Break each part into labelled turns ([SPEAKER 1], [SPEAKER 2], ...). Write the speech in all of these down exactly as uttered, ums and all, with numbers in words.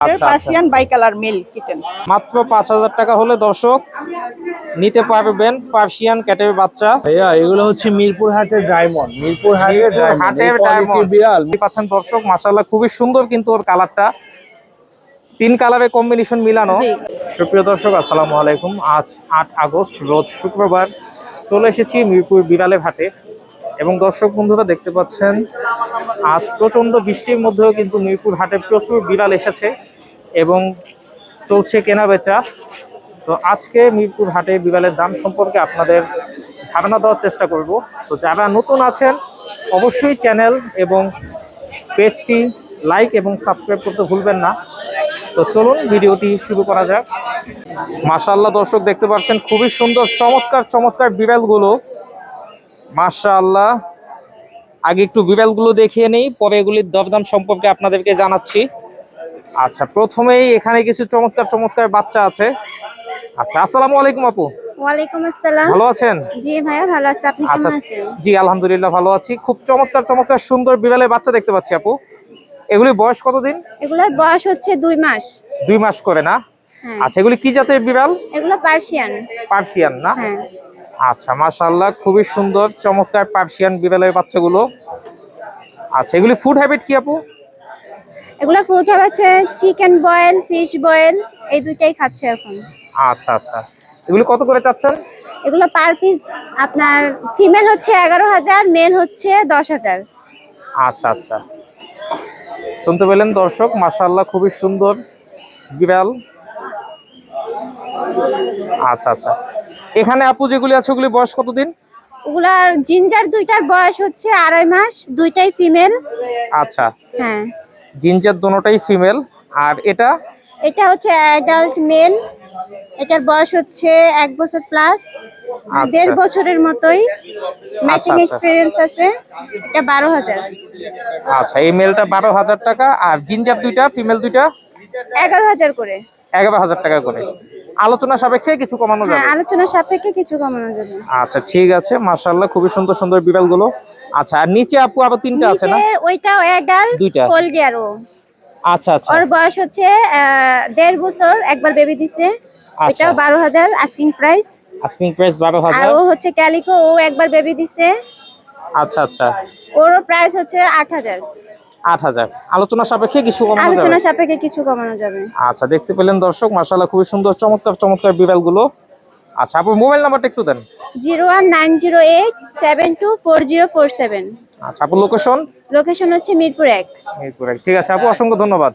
[SPEAKER 1] আচ্ছা
[SPEAKER 2] Persian bi colour male kitten
[SPEAKER 1] মাত্র পাঁচ হাজার টাকা হলে দর্শক নিতে পারবেন পার্সিয়ান ক্যাটের বাচ্চা।
[SPEAKER 3] ভাইয়া এগুলো হচ্ছে মিরপুর হাটের ডায়মন্ড, মিরপুর হাটের
[SPEAKER 1] মিরপুর
[SPEAKER 3] ডায়মন্ড,
[SPEAKER 1] হাটের
[SPEAKER 3] এই quality
[SPEAKER 1] ডায়মন্ড
[SPEAKER 3] বিড়াল।
[SPEAKER 1] পাচ্ছেন দর্শক, মাশাআল্লাহ খুবই সুন্দর কিন্তু ওর কালারটা, তিন কালারে কম্বিনেশন মিলানো। সুপ্রিয় দর্শক আসসালামু আলাইকুম। আজ আট আগস্ট রোজ শুক্রবার চলে এসেছি মিরপুর বিড়ালের হাটে এবং দর্শক বন্ধুরা দেখতে পাচ্ছেন আজ প্রচন্ড বৃষ্টির মধ্যেও কিন্তু মিরপুর হাটে প্রচুর বিড়াল এসেছে এবং চলছে কেনা বেচা। তো আজকে মিরপুর হাটে বিড়ালের দাম সম্পর্কে আপনাদের ধারণা দেওয়ার চেষ্টা করব। তো যারা নতুন আছেন অবশ্যই চ্যানেল এবং পেজটি লাইক এবং সাবস্ক্রাইব করতে ভুলবেন না। তো চলুন ভিডিওটি শুরু করা যাক। মাশাআল্লাহ দর্শক দেখতে পাচ্ছেন খুবই সুন্দর চমৎকার চমৎকার বিড়ালগুলো, মাশাআল্লাহ। আগে একটু বিড়ালগুলো দেখিয়ে নেই, পরে এগুলির দরদাম সম্পর্কে আপনাদেরকে জানাচ্ছি। আচ্ছা, প্রথমেই এখানে কিছু চমৎকার চমৎকার বাচ্চা আছে। আচ্ছা, আসসালামু আলাইকুম আপু।
[SPEAKER 4] ওয়ালাইকুম আসসালাম।
[SPEAKER 1] ভালো আছেন?
[SPEAKER 4] জি ভাইয়া ভালো আছি, আপনি
[SPEAKER 1] আচ্ছা,
[SPEAKER 4] কেমন আছেন?
[SPEAKER 1] জি আলহামদুলিল্লাহ ভালো আছি। খুব চমৎকার চমৎকার সুন্দর বিড়ালের বাচ্চা দেখতে পাচ্ছি আপু। এগুলি বয়স কতদিন?
[SPEAKER 4] এগুলোর বয়স হচ্ছে দুই মাস।
[SPEAKER 1] দুই মাস করে না?
[SPEAKER 4] হ্যাঁ।
[SPEAKER 1] আচ্ছা, এগুলি কি জাতের বিড়াল?
[SPEAKER 4] এগুলো পার্সিয়ান।
[SPEAKER 1] পার্সিয়ান না?
[SPEAKER 4] হ্যাঁ।
[SPEAKER 1] আচ্ছা, মাশাআল্লাহ খুবই সুন্দর চমৎকার পার্সিয়ান বিড়ালের বাচ্চাগুলো। আচ্ছা, এগুলি ফুড হ্যাবিট কি আপু?
[SPEAKER 4] এগুলো ফুড হচ্ছে চিকেন বয়েল, ফিশ বয়েল, এই দুইটাই খাচ্ছে এখন।
[SPEAKER 1] আচ্ছা আচ্ছা, এগুলি কত করে চাচ্ছেন?
[SPEAKER 4] এগুলো পার পিস আপনার ফিমেল হচ্ছে এগারো হাজার, মেল হচ্ছে দশ হাজার।
[SPEAKER 1] আচ্ছা আচ্ছা, শুনতে পেলেন দর্শক, মাশাআল্লাহ খুবই সুন্দর বিড়াল। আচ্ছা আচ্ছা, এখানে আপু যেগুলি আছে ওগুলি বয়স কতদিন?
[SPEAKER 4] ওগুলার জিঞ্জার দুইটার বয়স হচ্ছে আড়াই মাস, দুইটাই ফিমেল।
[SPEAKER 1] আচ্ছা,
[SPEAKER 4] হ্যাঁ।
[SPEAKER 1] জিঞ্জার দোনোটাই ফিমেল। আর এটা?
[SPEAKER 4] এটা হচ্ছে অ্যাডাল্ট মেল, এটার বয়স হচ্ছে এক বছর প্লাস, দেড় বছরের মতোই ম্যাচিং
[SPEAKER 1] আচ্ছা।
[SPEAKER 4] এক্সপেরিয়েন্স আছে। এটা বারো হাজার।
[SPEAKER 1] আচ্ছা, এই মেলটা বারো হাজার টাকা আর জিঞ্জার দুইটা ফিমেল দুইটা
[SPEAKER 4] এগারো হাজার করে।
[SPEAKER 1] এগারো হাজার টাকা করে। আলোচনা সাপেক্ষে কিছু কমানো
[SPEAKER 4] হ্যাঁ,
[SPEAKER 1] যাবে?
[SPEAKER 4] আলোচনা সাপেক্ষে কিছু কমানো যাবে।
[SPEAKER 1] আচ্ছা ঠিক আছে, মাশাআল্লাহ খুবই সুন্দর সুন্দর বিড়ালগুলো। আচ্ছা, আর নিচে আপু আবার তিনটা আছে না?
[SPEAKER 4] নিচে ওইটাও অ্যাডাল্ট
[SPEAKER 1] দুইটা
[SPEAKER 4] ফোলগিয়ারো।
[SPEAKER 1] আচ্ছা আচ্ছা,
[SPEAKER 4] ওর বয়স হচ্ছে আহ, দেড় বছর, একবার বেবি দিছে।
[SPEAKER 1] আচ্ছা।
[SPEAKER 4] এটাও বারো হাজার আস্কিং প্রাইস।
[SPEAKER 1] আস্কিং প্রাইস বারো
[SPEAKER 4] আর
[SPEAKER 1] হাজার।
[SPEAKER 4] ও হচ্ছে ক্যালিকো, ও একবার বেবি দিছে।
[SPEAKER 1] আচ্ছা আচ্ছা,
[SPEAKER 4] ওরও প্রাইস হচ্ছে আট হাজার।
[SPEAKER 1] আট হাজার। আলোচনা সাপেক্ষে কিছু কমানো
[SPEAKER 4] আলোচনা
[SPEAKER 1] যাবে?
[SPEAKER 4] সাপেক্ষে কিছু কমানো যাবে।
[SPEAKER 1] আচ্ছা, দেখতে পেলেন দর্শক, মাশাআল্লাহ খুবই সুন্দর চমৎকার চমৎকার বিড়ালগুলো। আচ্ছা আপু, মোবাইল নাম্বারটা একটু দেন।
[SPEAKER 4] Zero one nine zero eight seven two four zero four seven.
[SPEAKER 1] আচ্ছা আপু, লোকেশন?
[SPEAKER 4] লোকেশন হচ্ছে মিরপুর এক।
[SPEAKER 1] মিরপুর এক। ঠিক আছে আপু, অসংখ্য ধন্যবাদ।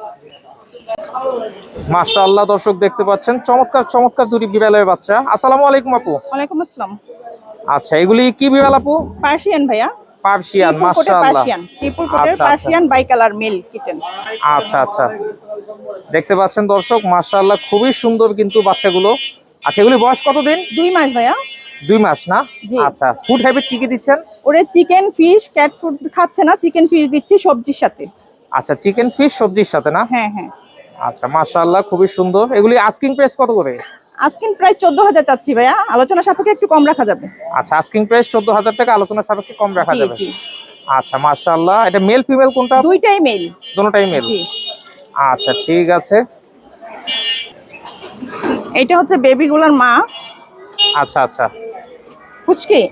[SPEAKER 1] মাশাআল্লাহ দর্শক দেখতে পাচ্ছেন চমৎকার চমৎকার দুটি বিড়ালের বাচ্চা। আসসালামু আলাইকুম আপু।
[SPEAKER 2] ওয়ালাইকুম আসসালাম।
[SPEAKER 1] আচ্ছা, এগুলি কি বিড়াল আপু?
[SPEAKER 2] পার্সিয়ান ভাইয়া,
[SPEAKER 1] পার্সিয়ান, মাশাআল্লাহ।
[SPEAKER 2] পার্সিয়ান ট্রিপল কোটের
[SPEAKER 1] আচ্ছা, আচ্ছা।
[SPEAKER 2] Persian bi colour male kitten.
[SPEAKER 1] আচ্ছা আচ্ছা, দেখতে পাচ্ছেন দর্শক, মাশাআল্লাহ খুবই সুন্দর কিন্তু বাচ্চাগুলো। আচ্ছা, এগুলি বয়স কতদিন?
[SPEAKER 2] দুই মাস ভাইয়া।
[SPEAKER 1] দুই মাস না?
[SPEAKER 2] জি।
[SPEAKER 1] আচ্ছা, ফুড হ্যাবিট কি কি দিচ্ছেন?
[SPEAKER 2] ওরে চিকেন ফিশ ক্যাট ফুড খাচ্ছে না, চিকেন ফিশ দিচ্ছি সবজির সাথে।
[SPEAKER 1] আচ্ছা, চিকেন ফিশ সবজির সাথে না?
[SPEAKER 2] হ্যাঁ হ্যাঁ।
[SPEAKER 1] আচ্ছা, মাশাআল্লাহ খুবই সুন্দর। এগুলি আস্কিং প্রাইস কত করে?
[SPEAKER 2] আজকিন প্রায় চোদ্দ হাজার চাচ্ছি ভাইয়া, আলোচনা সাপেক্ষে একটু কম রাখা যাবে।
[SPEAKER 1] আচ্ছা, আস্কিং প্রাইস চোদ্দ হাজার টাকা, আলোচনা সাপেক্ষে কম রাখা
[SPEAKER 2] জি
[SPEAKER 1] যাবে।
[SPEAKER 2] জি,
[SPEAKER 1] আচ্ছা, মাশাআল্লাহ। এটা মেল ফিমেল কোনটা?
[SPEAKER 2] দুইটাই মেল।
[SPEAKER 1] দুটোটাই মেল।
[SPEAKER 2] জি।
[SPEAKER 1] আচ্ছা ঠিক আছে।
[SPEAKER 2] এটা হচ্ছে বেবিগুলোর মা।
[SPEAKER 1] আচ্ছা আচ্ছা,
[SPEAKER 2] ফুচকি।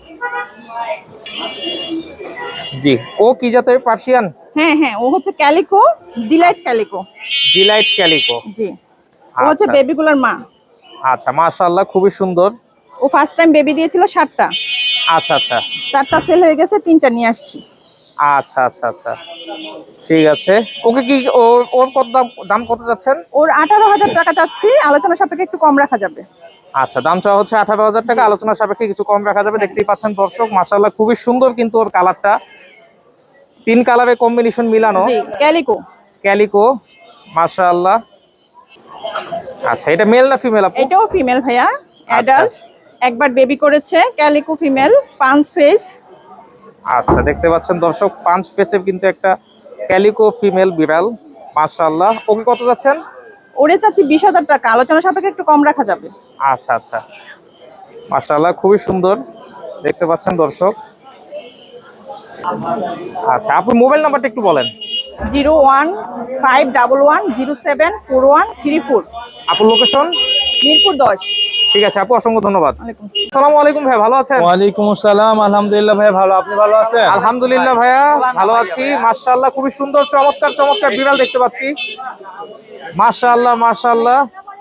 [SPEAKER 1] জি। ও কি জাতের? পার্সিয়ান?
[SPEAKER 2] হ্যাঁ হ্যাঁ, ও হচ্ছে calico, delight calico.
[SPEAKER 1] Delight calico.
[SPEAKER 2] জি। ও হচ্ছে
[SPEAKER 1] আচ্ছা।
[SPEAKER 2] বেবিগুলোর মা।
[SPEAKER 1] আচ্ছা, মাশাআল্লাহ খুবই সুন্দর।
[SPEAKER 2] ও ফার্স্ট টাইম বেবি দিয়েছিল সাতটা,
[SPEAKER 1] আচ্ছা আচ্ছা,
[SPEAKER 2] চারটা সেল হয়ে গেছে, তিনটা নিয়ে আসছি।
[SPEAKER 1] আচ্ছা আচ্ছা আচ্ছা, ঠিক আছে। ওকে কি ওর ওর কত দাম দাম কত যাচ্ছেন?
[SPEAKER 2] ওর আঠারো হাজার টাকা চাচ্ছি, আলোচনা সাপেক্ষে একটু কম রাখা যাবে।
[SPEAKER 1] আচ্ছা, দাম চাওয়া হচ্ছে আঠারো হাজার টাকা, আলোচনা সাপেক্ষে কিছু কম রাখা যাবে। দেখতেই পাচ্ছেন দর্শক, মাশাআল্লাহ খুবই সুন্দর কিন্তু ওর কালারটা, তিন কালারে কম্বিনেশন মিলানো।
[SPEAKER 2] জি, ক্যালিকো।
[SPEAKER 1] ক্যালিকো, মাশাআল্লাহ। আচ্ছা, এটা মেল না ফিমেল আপু?
[SPEAKER 2] এটাও ফিমেল ভাইয়া, অ্যাডাল্ট, একবার বেবি করেছে, ক্যালিকো ফিমেল, পাঁচ ফেজ।
[SPEAKER 1] আচ্ছা, দেখতে পাচ্ছেন দর্শক, পাঁচ ফেসের কিন্তু একটা ক্যালিকো ফিমেল বিড়াল, মাশাআল্লাহ। ওকে কত যাচ্ছেন?
[SPEAKER 2] ওরে চাচ্ছি বিশ হাজার টাকা, আলোচনা সাপেক্ষে একটু কম রাখা যাবে।
[SPEAKER 1] আচ্ছা আচ্ছা, মাশাআল্লাহ খুবই সুন্দর দেখতে পাচ্ছেন দর্শক। আচ্ছা, আপনার মোবাইল নাম্বারটা একটু বলেন।
[SPEAKER 2] Zero one five double one zero seven four one three four.
[SPEAKER 1] আপুর লোকেশন?
[SPEAKER 2] মিরপুর দশ।
[SPEAKER 1] ঠিক আছে আপু, অসংখ্য ধন্যবাদ। আসসালামু আলাইকুম ভাই, ভালো আছেন?
[SPEAKER 3] ওয়ালাইকুম আসসালাম, আলহামদুলিল্লাহ ভাই ভালো, আপনি ভালো আছেন?
[SPEAKER 1] আলহামদুলিল্লাহ ভাইয়া ভালো আছি, মাশাআল্লাহ খুবই সুন্দর চমৎকার চমৎকার বিড়াল দেখতে পাচ্ছি। মাশাআল্লাহ মাশাআল্লাহ।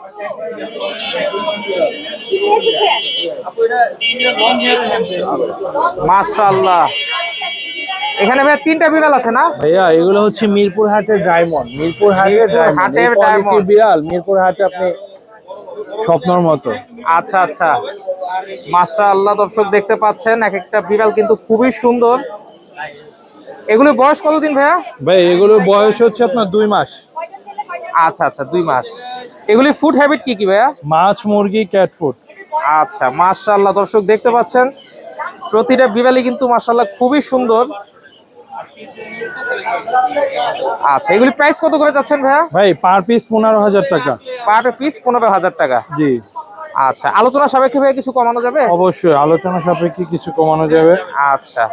[SPEAKER 1] মাশাআল্লাহ, এখানে ভাই তিনটা বিড়াল আছে না?
[SPEAKER 3] ভাইয়া এগুলো হচ্ছে মিরপুর হাটের ডায়মন্ড, মিরপুর হাটের
[SPEAKER 1] মিরপুর
[SPEAKER 3] ডায়মন্ড,
[SPEAKER 1] হাটের
[SPEAKER 3] এই quality
[SPEAKER 1] ডায়মন্ড।
[SPEAKER 3] বিড়াল মিরপুর হাটে আপনি স্বপ্নের মতো।
[SPEAKER 1] আচ্ছা আচ্ছা, মাশাআল্লাহ দর্শক দেখতে পাচ্ছেন এক একটা বিড়াল কিন্তু খুবই সুন্দর। এগুলোর বয়স কতদিন ভাইয়া?
[SPEAKER 3] ভাই এগুলোর বয়স হচ্ছে আপনার দুই মাস।
[SPEAKER 1] আচ্ছা আচ্ছা, দুই মাস। এগুলি ফুড হ্যাবিট কি কি ভাইয়া?
[SPEAKER 3] মাছ, মুরগি, ক্যাট ফুড।
[SPEAKER 1] আচ্ছা মাশাআল্লাহ দর্শক দেখতে পাচ্ছেন প্রতিটা বিড়ালই কিন্তু মাশাআল্লাহ খুবই সুন্দর। আচ্ছা, এগুলি প্রাইস কত করে যাচ্ছেন ভাইয়া?
[SPEAKER 3] ভাই পার পিস পনেরো হাজার টাকা।
[SPEAKER 1] পার পিস পনেরো হাজার টাকা।
[SPEAKER 3] জি
[SPEAKER 1] আচ্ছা, আলোচনা সাপেক্ষে ভাইয়া কিছু কমানো যাবে?
[SPEAKER 3] অবশ্যই আলোচনা সাপেক্ষে কিছু কমানো যাবে।
[SPEAKER 1] আচ্ছা,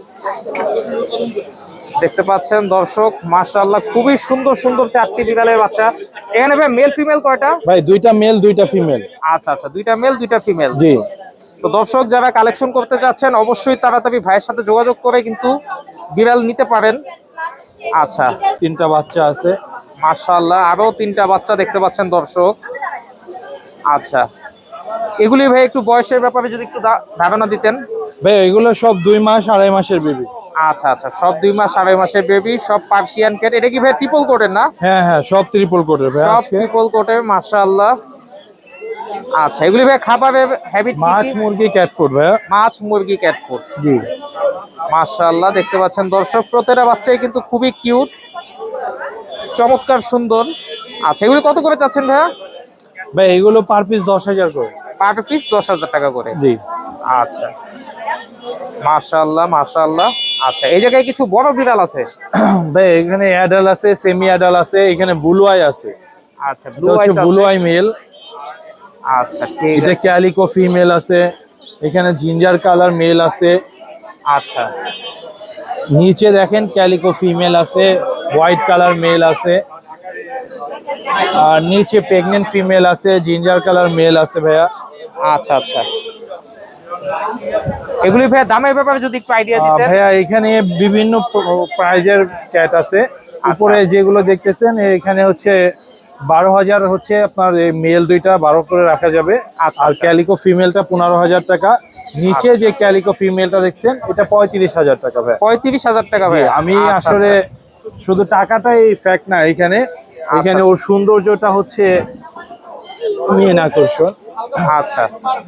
[SPEAKER 1] দেখতে পাচ্ছেন দর্শক মাশাআল্লাহ খুবই সুন্দর সুন্দর চারটি বিড়ালের বাচ্চা। এখানে ভাই মেল ফিমেল কয়টা?
[SPEAKER 3] ভাই দুইটা মেল দুইটা ফিমেল।
[SPEAKER 1] আচ্ছা আচ্ছা, দুইটা মেল দুইটা ফিমেল।
[SPEAKER 3] জি
[SPEAKER 1] তো দর্শক যারা কালেকশন করতে যাচ্ছেন অবশ্যই তাড়াতাড়ি ভাইয়ের সাথে যোগাযোগ করে কিন্তু বিড়াল নিতে পারেন। আচ্ছা,
[SPEAKER 3] তিনটা বাচ্চা আছে।
[SPEAKER 1] মাশাআল্লাহ আরো তিনটা বাচ্চা দেখতে পাচ্ছেন দর্শক। আচ্ছা, এগুলি ভাই একটু বয়সের ব্যাপারে যদি একটু ধা- ধারণা দিতেন।
[SPEAKER 3] ভাই এগুলো সব দুই মাস আড়াই মাসের বেবি।
[SPEAKER 1] আচ্ছা আচ্ছা, সব দুই মাস আড়াই মাসের বেবি, সব পার্সিয়ান ক্যাট। এটা কি ভাই ট্রিপল কোটের না?
[SPEAKER 3] হ্যাঁ হ্যাঁ সব ট্রিপল কোটের ভাই।
[SPEAKER 1] সব
[SPEAKER 3] আজকে
[SPEAKER 1] ট্রিপল কোটের মাশাআল্লাহ। আচ্ছা, এগুলি ভাই খাবারের হ্যাবিট
[SPEAKER 3] মাছ, মুরগি, ক্যাট ফুড ভাইয়া।
[SPEAKER 1] মাছ, মুরগি, ক্যাট ফুড।
[SPEAKER 3] জি
[SPEAKER 1] মাশাআল্লাহ দেখতে পাচ্ছেন দর্শক প্রতিটা বাচ্চাই কিন্তু খুবই কিউট, চমৎকার সুন্দর। আচ্ছা, এগুলি কত করে চাচ্ছেন ভাইয়া?
[SPEAKER 3] ভাই এগুলো পার পিস দশ হাজার করে।
[SPEAKER 1] পার পিস দশ হাজার টাকা করে।
[SPEAKER 3] জি
[SPEAKER 1] আচ্ছা, মাশাআল্লাহ মাশাআল্লাহ। আচ্ছা, এই জায়গায় কিছু বড় বিড়াল আছে।
[SPEAKER 3] ভাই এখানে অ্যাডাল আছে, সেমি অ্যাডাল আছে, এখানে ব্লু আই আছে।
[SPEAKER 1] আচ্ছা,
[SPEAKER 3] এটা
[SPEAKER 1] ব্লু
[SPEAKER 3] হচ্ছে
[SPEAKER 1] আইস
[SPEAKER 3] ব্লু
[SPEAKER 1] আছে।
[SPEAKER 3] Eye male.
[SPEAKER 1] আচ্ছা ঠিক
[SPEAKER 3] এটা
[SPEAKER 1] আছে।
[SPEAKER 3] ক্যালিকো ফিমেল আছে। এখানে জিঞ্জার কালার মেল আছে।
[SPEAKER 1] আচ্ছা
[SPEAKER 3] নিচে দেখেন ক্যালিকো ফিমেল আছে, হোয়াইট কালার মেল আছে, আর নিচে প্রেগনেন্ট ফিমেল আছে, জিঞ্জার কালার মেল আছে ভাইয়া।
[SPEAKER 1] আচ্ছা আচ্ছা, এগুলি ভাইয়া দামের ব্যাপারে যদি একটু আইডিয়া
[SPEAKER 3] আহ,
[SPEAKER 1] দিতেন।
[SPEAKER 3] ভাইয়া এখানে বিভিন্ন প্রাইজের ক্যাট আছে। উপরে যেগুলো দেখতেছেন এখানে হচ্ছে বারো হাজার হচ্ছে আপনার মেল দুইটা বারো করে রাখা যাবে।
[SPEAKER 1] আচ্ছা,
[SPEAKER 3] আর
[SPEAKER 1] আচ্ছা।
[SPEAKER 3] ক্যালিকো ফিমেলটা পনেরো হাজার টাকা। নিচে যে ক্যালিকো ফিমেলটা দেখছেন এটা পঁয়ত্রিশ হাজার টাকা ভাই।
[SPEAKER 1] পঁয়ত্রিশ হাজার টাকা
[SPEAKER 3] জি,
[SPEAKER 1] ভাই।
[SPEAKER 3] আমি
[SPEAKER 1] আচ্ছা,
[SPEAKER 3] আসলে শুধু টাকাটাই ফ্যাক্ট না, এখানে এখানে
[SPEAKER 1] আচ্ছা।
[SPEAKER 3] ওর সৌন্দর্যটা হচ্ছে মেন আকর্ষণ।
[SPEAKER 1] আচ্ছা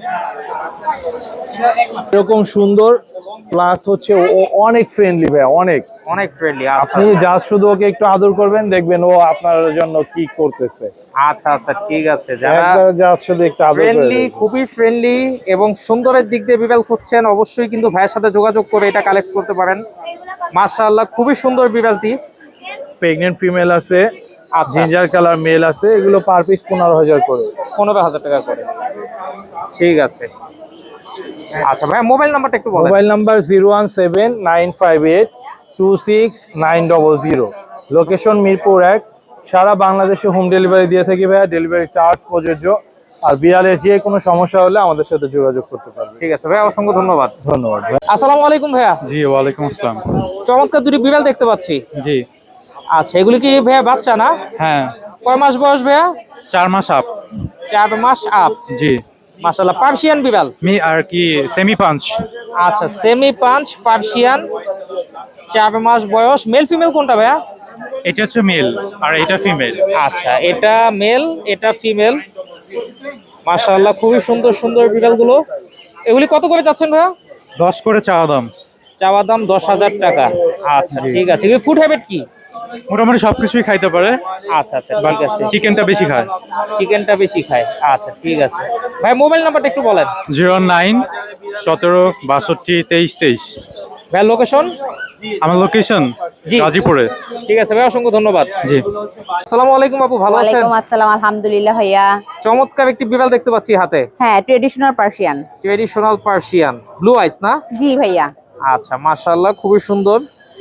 [SPEAKER 3] এরকম সুন্দর প্লাস হচ্ছে ও অনেক ফ্রেন্ডলি ভাই, অনেক।
[SPEAKER 1] অনেক ফ্রেন্ডলি। আচ্ছা
[SPEAKER 3] আপনি যা শুধু ওকে একটু আদর করবেন দেখবেন ও আপনার জন্য কি করতেছে।
[SPEAKER 1] আচ্ছা আচ্ছা, ঠিক আছে। যারা
[SPEAKER 3] একবার যা শুধু একটু আদর করে
[SPEAKER 1] ফ্রেন্ডলি,
[SPEAKER 3] দেখবেন।
[SPEAKER 1] খুবই ফ্রেন্ডলি এবং সুন্দরের দিক দিয়ে বিড়াল খুঁজছেন অবশ্যই কিন্তু ভাইয়ের সাথে যোগাযোগ করে এটা কালেক্ট করতে পারেন। মাশাআল্লাহ খুবই সুন্দর বিড়ালটি।
[SPEAKER 3] প্রেগনেন্ট ফিমেল আছে,
[SPEAKER 1] আচ্ছা,
[SPEAKER 3] জিঞ্জার কালার মেল আছে, এগুলো পার পিস পনেরো হাজার করে।
[SPEAKER 1] পনেরো হাজার টাকা করে। ঠিক আছে। আচ্ছা ভাই, মোবাইল নাম্বারটা একটু বলেন।
[SPEAKER 3] Mobile number zero one seven nine five eight two six nine double zero. Location Mirpur এক। সারা বাংলাদেশে হোম ডেলিভারি দিয়ে থাকি ভাইয়া, ডেলিভারি চার্জ প্রযোজ্য। আর বিড়ালের যে কোনো সমস্যা হলে আমাদের সাথে যোগাযোগ করতে পারবে।
[SPEAKER 1] ঠিক আছে ভাই, অসংখ্য ধন্যবাদ।
[SPEAKER 3] ধন্যবাদ ভাই।
[SPEAKER 1] আসসালামু আলাইকুম ভাইয়া।
[SPEAKER 3] জি ওয়ালাইকুম আসসালাম।
[SPEAKER 1] চমৎকার দুটি বিড়াল দেখতে পাচ্ছি।
[SPEAKER 3] জি
[SPEAKER 1] আচ্ছা, এগুলি কি ভাইয়া বাচ্চা না?
[SPEAKER 3] হ্যাঁ,
[SPEAKER 1] কয় মাস বয়স ভাইয়া?
[SPEAKER 3] চার মাস আপ।
[SPEAKER 1] চার মাস আপ।
[SPEAKER 3] জি
[SPEAKER 1] মাশাআল্লাহ, পার্সিয়ান বিড়াল।
[SPEAKER 3] মি আর কি সেমি পাঞ্চ।
[SPEAKER 1] আচ্ছা, সেমি পাঞ্চ পার্সিয়ান, চার মাস বয়স। মেল ফিমেল কোনটা ভাইয়া?
[SPEAKER 3] এটা হচ্ছে মেল আর এটা ফিমেল।
[SPEAKER 1] আচ্ছা, এটা মেল এটা ফিমেল। মাশাআল্লাহ খুবই সুন্দর সুন্দর বিড়ালগুলো। এগুলি কত করে যাচ্ছেন ভাইয়া?
[SPEAKER 3] দশ করে চাওয়া দাম।
[SPEAKER 1] চাওয়া দাম দশ হাজার টাকা। আচ্ছা ঠিক আছে। এগুলি ফুড হ্যাবিট কি?
[SPEAKER 3] মোটামুটি সবকিছুই খাইতে পারে,
[SPEAKER 1] আচ্ছা আচ্ছা ঠিক আছে।
[SPEAKER 3] চিকেনটা বেশি খায়।
[SPEAKER 1] চিকেনটা বেশি খায়। আচ্ছা ঠিক আছে ভাই, মোবাইল নাম্বারটা একটু বলেন।
[SPEAKER 3] জিরো নাইন সতেরো বাষট্টি তেইশ তেইশ।
[SPEAKER 1] ভাই লোকেশন?
[SPEAKER 3] আমার লোকেশন
[SPEAKER 1] জি।
[SPEAKER 3] গাজীপুরে।
[SPEAKER 1] ঠিক আছে ভাই, অসংখ্য ধন্যবাদ।
[SPEAKER 3] জি
[SPEAKER 1] আসসালামু আলাইকুম আপু, ভালো আছেন?
[SPEAKER 5] ওয়ালাইকুম আসসালাম, আলহামদুলিল্লাহ ভাইয়া।
[SPEAKER 1] চমৎকার একটি বিড়াল দেখতে পাচ্ছি হাতে।
[SPEAKER 5] হ্যাঁ, traditional Persian.
[SPEAKER 1] Traditional Persian, blue ice না?
[SPEAKER 5] জি ভাইয়া।
[SPEAKER 1] আচ্ছা মাশাআল্লাহ খুবই সুন্দর।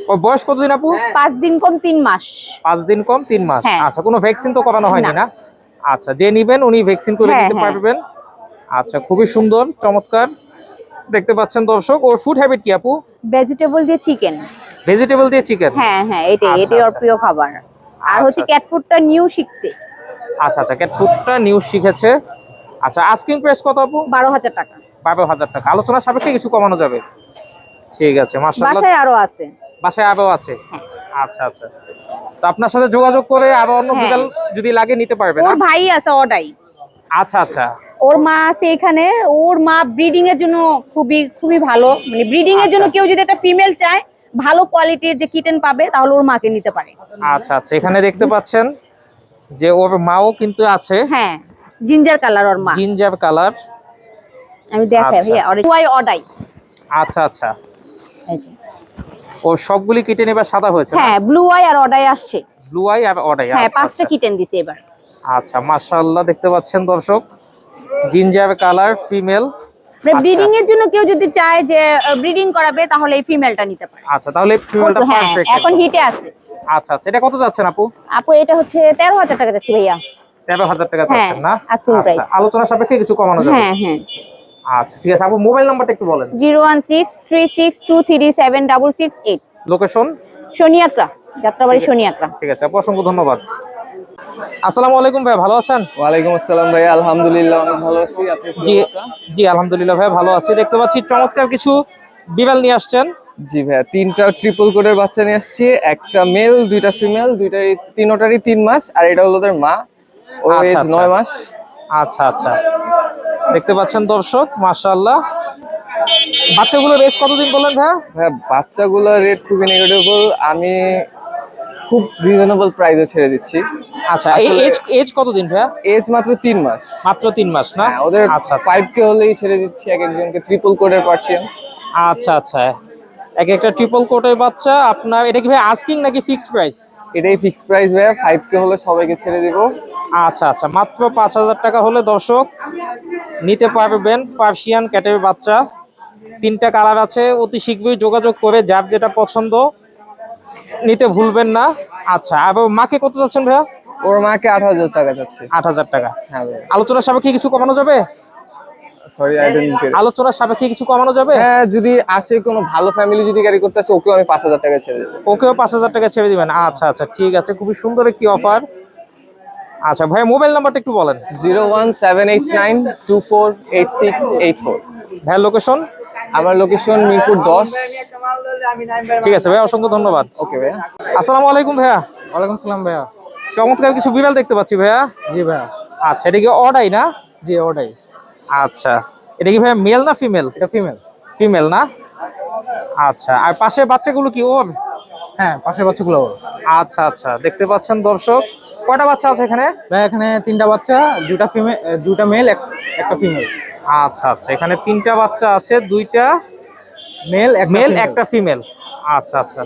[SPEAKER 1] ওর বয়স কতদিন আপু?
[SPEAKER 5] পাঁচ দিন কম তিন মাস।
[SPEAKER 1] পাঁচ দিন কম তিন মাস।
[SPEAKER 5] হ্যাঁ।
[SPEAKER 1] আচ্ছা, কোনো ভ্যাকসিন তো করানো হয়নি
[SPEAKER 5] না।
[SPEAKER 1] না? আচ্ছা, যে নিবেন উনি ভ্যাকসিন করে
[SPEAKER 5] হ্যাঁ,
[SPEAKER 1] দিতে
[SPEAKER 5] হ্যাঁ।
[SPEAKER 1] পারবেন। আচ্ছা, খুবই সুন্দর, চমৎকার। দেখতে পাচ্ছেন দর্শক, ওর ফুড হ্যাবিট কি আপু?
[SPEAKER 5] ভেজিটেবল দিয়ে চিকেন।
[SPEAKER 1] ভেজিটেবল দিয়ে চিকেন।
[SPEAKER 5] হ্যাঁ হ্যাঁ, এটাই
[SPEAKER 1] আচ্ছা,
[SPEAKER 5] এটাই ওর
[SPEAKER 1] আচ্ছা।
[SPEAKER 5] প্রিয় খাবার। আর
[SPEAKER 1] আচ্ছা,
[SPEAKER 5] হচ্ছে
[SPEAKER 1] আচ্ছা।
[SPEAKER 5] ক্যাট ফুডটা নিউ শিখছে।
[SPEAKER 1] আচ্ছা আচ্ছা, ক্যাট ফুডটা নিউ শিখেছে। আচ্ছা, আস্কিং প্রাইস কত আপু?
[SPEAKER 5] বারো হাজার টাকা।
[SPEAKER 1] বারো হাজার টাকা। আলোচনা সাপেক্ষে কিছু কমানো যাবে। ঠিক আছে, মাশাআল্লাহ।
[SPEAKER 5] বাসায় আরো আছে।
[SPEAKER 1] বাসায় আরো আছে।
[SPEAKER 5] হ্যাঁ।
[SPEAKER 1] আচ্ছা আচ্ছা, তো আপনার সাথে যোগাযোগ করে আরো অন্য
[SPEAKER 5] হ্যাঁ।
[SPEAKER 1] বিড়াল যদি লাগে নিতে পারবেন।
[SPEAKER 5] ওর ভাই আছে অডাই।
[SPEAKER 1] আচ্ছা আচ্ছা।
[SPEAKER 5] ওর মা আছে এখানে। ওর মা ব্রিডিং এর জন্য খুবই খুবই ভালো, মানে ব্রিডিং এর জন্য
[SPEAKER 1] আচ্ছা।
[SPEAKER 5] কেউ যদি একটা ফিমেল চায় ভালো কোয়ালিটির যে কিটেন পাবে তাহলে ওর মাকে নিতে পারে।
[SPEAKER 1] আচ্ছা আচ্ছা, এখানে দেখতে পাচ্ছেন যে ওর মাও কিন্তু আছে।
[SPEAKER 5] হ্যাঁ, জিঞ্জার কালার ওর মা।
[SPEAKER 1] Ginger colour.
[SPEAKER 5] আমি দেখাই
[SPEAKER 1] আচ্ছা।
[SPEAKER 5] ভাইয়া, ওয়াই অডাই।
[SPEAKER 1] আচ্ছা আচ্ছা,
[SPEAKER 5] এই যে।
[SPEAKER 1] ওর সবগুলি কিটেন এবার সাদা হয়েছে না?
[SPEAKER 5] হ্যাঁ, ব্লু আই আর অডাই আসছে।
[SPEAKER 1] ব্লু আই আর অডাই।
[SPEAKER 5] হ্যাঁ,
[SPEAKER 1] আচ্ছা
[SPEAKER 5] পাঁচটা
[SPEAKER 1] আচ্ছা।
[SPEAKER 5] কিটেন দিছে এবার।
[SPEAKER 1] আচ্ছা, মাশাআল্লাহ, দেখতে পাচ্ছেন দর্শক, জিঞ্জার কালার ফিমেল।
[SPEAKER 5] মানে ব্রিডিং এর জন্য কেউ যদি চায় যে ব্রিডিং করাবে তাহলে এই ফিমেলটা নিতে পারে।
[SPEAKER 1] আচ্ছা, তাহলে ফিমেলটা
[SPEAKER 5] হ্যাঁ,
[SPEAKER 1] পারফেক্ট।
[SPEAKER 5] এখন হিটে আছে।
[SPEAKER 1] আচ্ছা আচ্ছা, এটা কত যাচ্ছেন আপু?
[SPEAKER 5] আপু এটা হচ্ছে তেরো হাজার টাকা যাচ্ছে ভাইয়া।
[SPEAKER 1] তেরো হাজার টাকা
[SPEAKER 5] হ্যাঁ,
[SPEAKER 1] যাচ্ছেন না?
[SPEAKER 5] asking
[SPEAKER 1] আচ্ছা,
[SPEAKER 5] price।
[SPEAKER 1] আলোচনা সাপেক্ষে কিছু কমানো যাবে।
[SPEAKER 5] হ্যাঁ হ্যাঁ।
[SPEAKER 1] আচ্ছা, ঠিক আছে আপু, মোবাইল নাম্বারটা একটু বলেন।
[SPEAKER 5] Zero one six three six two three seven double six eight.
[SPEAKER 1] Location?
[SPEAKER 5] Shaniakhra, Jatrabari Shaniakhra.
[SPEAKER 1] ঠিক আছে আপু, অসংখ্য ধন্যবাদ। আসসালামু আলাইকুম ভাই, ভালো আছেন?
[SPEAKER 6] ওয়ালাইকুম আসসালাম ভাই, আলহামদুলিল্লাহ অনেক ভালো আছি। আপনি কি
[SPEAKER 1] জি
[SPEAKER 6] অবস্থা?
[SPEAKER 1] জি আলহামদুলিল্লাহ ভাই, ভালো আছি। দেখতে পাচ্ছি চমৎকার কিছু বিড়াল নিয়ে আসছেন।
[SPEAKER 6] জি ভাইয়া, তিনটা ট্রিপল কোডের বাচ্চা নিয়ে আসছি, একটা মেল দুইটা ফিমেল, দুইটারই তিনোটারই তিন মাস, আর এটা হলো ওদের মা, ওর
[SPEAKER 1] আচ্ছা,
[SPEAKER 6] এজ
[SPEAKER 1] আচ্ছা।
[SPEAKER 6] নয় মাস।
[SPEAKER 1] আচ্ছা আচ্ছা, দেখতে পাচ্ছেন দর্শক, মাশাআল্লাহ। বাচ্চাগুলো রেস কতদিন বললেন ভাইয়া?
[SPEAKER 6] ভাইয়া বাচ্চাগুলোর রেট খুবই নেগেটিভেবল, আমি খুব রিজনেবল প্রাইসে ছেড়ে দিচ্ছি।
[SPEAKER 1] আচ্ছা, এই
[SPEAKER 6] আসলে-
[SPEAKER 1] এজ এজ কতদিন ভাইয়া?
[SPEAKER 6] এজ মাত্র তিন মাস।
[SPEAKER 1] মাত্র তিন মাস না?
[SPEAKER 6] হ্যাঁ, ওদের
[SPEAKER 1] আচ্ছা আচ্ছা।
[SPEAKER 6] ফাইভ কে হলেই ছেড়ে দিচ্ছি এক একজনকে, ট্রিপল কোডের পার্সিয়ান।
[SPEAKER 1] আচ্ছা আচ্ছা, এক একটা ট্রিপল কোটের বাচ্চা আপনার। এটা কি ভাই আস্কিং নাকি ফিক্সড প্রাইস?
[SPEAKER 6] এটাই ফিক্স প্রাইস ভাইয়া, ফাইভ কে হলে সবাইকে ছেড়ে দিব।
[SPEAKER 1] আচ্ছা আচ্ছা, মাত্র পাঁচ হাজার টাকা হলে দর্শক নিতে পারবেন পার্সিয়ান ক্যাটের বাচ্চা। তিনটা কালার আছে, অতি শীঘ্রই যোগাযোগ করে যার যেটা পছন্দ নিতে ভুলবেন না। আচ্ছা, আর মাকে কত যাচ্ছেন ভাইয়া?
[SPEAKER 6] ওর মাকে আট হাজার টাকা যাচ্ছে।
[SPEAKER 1] আট হাজার টাকা।
[SPEAKER 6] হ্যাঁ ভাইয়া,
[SPEAKER 1] আলোচনা সাপেক্ষে কিছু কমানো যাবে?
[SPEAKER 6] Sorry I don't get.
[SPEAKER 1] আলোচনা সাপেক্ষে কিছু কমানো যাবে?
[SPEAKER 6] হ্যাঁ, যদি আসে কোনো ভালো ফ্যামিলি যদি ক্যারি করতে আসে, ওকেও আমি পাঁচ হাজার টাকা ছেড়ে দেবো।
[SPEAKER 1] ওকেও পাঁচ হাজার টাকা ছেড়ে দিবেন? আচ্ছা আচ্ছা, ঠিক আছে, খুবই সুন্দর একটি অফার। আচ্ছা ভাই, মোবাইল নাম্বারটা একটু বলেন।
[SPEAKER 6] Zero one seven eight nine two four eight six eight four.
[SPEAKER 1] ভাই লোকেশন?
[SPEAKER 6] আমার লোকেশন মিরপুর দশ।
[SPEAKER 1] ঠিক আছে ভাই, অসংখ্য ধন্যবাদ।
[SPEAKER 6] ওকে ভাইয়া।
[SPEAKER 1] আসসালামু আলাইকুম ভাইয়া।
[SPEAKER 3] ওয়ালাইকুম সালাম ভাইয়া।
[SPEAKER 1] চমৎকার কিছু বিড়াল দেখতে পাচ্ছি ভাইয়া।
[SPEAKER 3] জি ভাইয়া।
[SPEAKER 1] আচ্ছা, এটা কি অডাই না?
[SPEAKER 3] জি ওটাই।
[SPEAKER 1] আচ্ছা, এটা কি ভাইয়া মেল না ফিমেল?
[SPEAKER 3] এটা ফিমেল।
[SPEAKER 1] ফিমেল না? আচ্ছা, আর পাশে বাচ্চাগুলো কি ওর?
[SPEAKER 3] হ্যাঁ, পাশের বাচ্চাগুলো ওর।
[SPEAKER 1] আচ্ছা আচ্ছা, দেখতে পাচ্ছেন দর্শক, কয়টা বাচ্চা আছে এখানে?
[SPEAKER 3] ভাই এখানে তিনটা বাচ্চা, দুটা ফিমেল, দুটা মেল, একটা ফিমেল।
[SPEAKER 1] আচ্ছা আচ্ছা, এখানে তিনটা বাচ্চা আছে, দুইটা
[SPEAKER 3] মেল এক
[SPEAKER 1] মেল একটা ফিমেল। আচ্ছা আচ্ছা,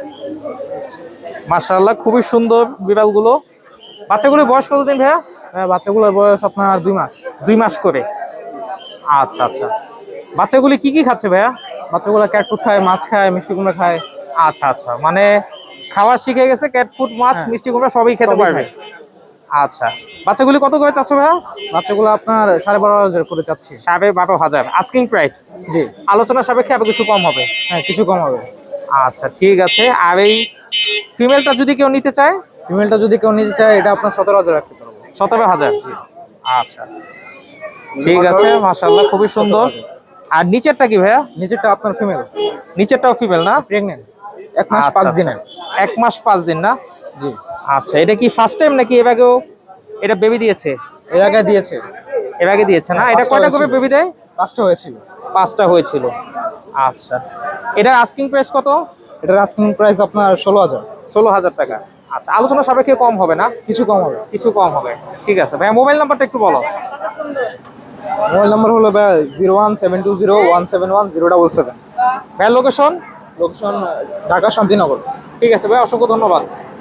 [SPEAKER 1] মাশাআল্লাহ, খুবই সুন্দর বিড়ালগুলো। বাচ্চাগুলোর বয়স কতদিন ভাইয়া?
[SPEAKER 3] বাচ্চাগুলোর বয়স আপনার দুই মাস।
[SPEAKER 1] দুই মাস করে। আচ্ছা আচ্ছা, বাচ্চাগুলি কি কি খাচ্ছে ভাইয়া?
[SPEAKER 3] বাচ্চাগুলো ক্যাট ফুড খায়, মাছ খায়, মিষ্টি কুমড়া খায়।
[SPEAKER 1] আচ্ছা আচ্ছা, মানে খাওয়া শিখে গেছে, ক্যাট ফুড, মাছ,
[SPEAKER 3] হ্যাঁ।
[SPEAKER 1] মিষ্টি কুমড়া সবই খেতে
[SPEAKER 3] সবই
[SPEAKER 1] পারবে।
[SPEAKER 3] খায়।
[SPEAKER 1] আচ্ছা, বাচ্চাগুলি কত করে চাচ্ছ ভাইয়া?
[SPEAKER 3] বাচ্চাগুলো আপনার সাড়ে বারো হাজার করে চাচ্ছি।
[SPEAKER 1] সাড়ে বারো হাজার আস্কিং প্রাইস।
[SPEAKER 3] জি।
[SPEAKER 1] আলোচনা সাপেক্ষে আরো কিছু কম হবে।
[SPEAKER 3] হ্যাঁ, কিছু কম হবে।
[SPEAKER 1] আচ্ছা, ঠিক আছে। আর এই ফিমেলটা যদি কেউ নিতে চায়?
[SPEAKER 3] ফিমেলটা যদি কেউ নিতে চায়, এটা আপনার সতেরো হাজার রাখতে পারবো।
[SPEAKER 1] সতেরো হাজার। আচ্ছা, ঠিক আছে, মাশাআল্লাহ, খুবই সুন্দর। আর নিচেরটা কি ভাইয়া?
[SPEAKER 3] নিচেরটা আপনার ফিমেল,
[SPEAKER 1] নিচেরটাও ফিমেল না?
[SPEAKER 3] প্রেগনেন্ট, এক মাস
[SPEAKER 1] আচ্ছা,
[SPEAKER 3] পাঁচ
[SPEAKER 1] আচ্ছা।
[SPEAKER 3] দিনের।
[SPEAKER 1] এক মাস পাঁচ দিন না?
[SPEAKER 3] জি।
[SPEAKER 1] আচ্ছা, এটা কি ফার্স্ট টাইম নাকি এর আগেও এটা বেবি দিয়েছে?
[SPEAKER 3] এর আগে দিয়েছে।
[SPEAKER 1] এর আগে দিয়েছে না?
[SPEAKER 3] হ্যাঁ,
[SPEAKER 1] এটা
[SPEAKER 3] পাঁচটা
[SPEAKER 1] কয়টা করে
[SPEAKER 3] হয়েছিল।
[SPEAKER 1] বেবি দেয়?
[SPEAKER 3] পাঁচটা হয়েছিল।
[SPEAKER 1] পাঁচটা হয়েছিল। আচ্ছা, এটা আস্কিং প্রাইস কত?
[SPEAKER 3] এটার আস্কিং প্রাইস আপনার ষোলো হাজার।
[SPEAKER 1] ষোলো হাজার টাকা। আচ্ছা, আলোচনা সাপেক্ষে কম হবে না?
[SPEAKER 3] কিছু কম হবে।
[SPEAKER 1] কিছু কম হবে, ঠিক আছে ভাইয়া। মোবাইল নাম্বারটা একটু বলো।
[SPEAKER 3] মোবাইল নাম্বার হলো zero one seven two zero one seven one zero double seven.
[SPEAKER 1] ভাইয়া লোকেশন?
[SPEAKER 3] লোকেশন ঢাকা শান্তিনগর।
[SPEAKER 1] ঠিক আছে ভাই, অসংখ্য ধন্যবাদ।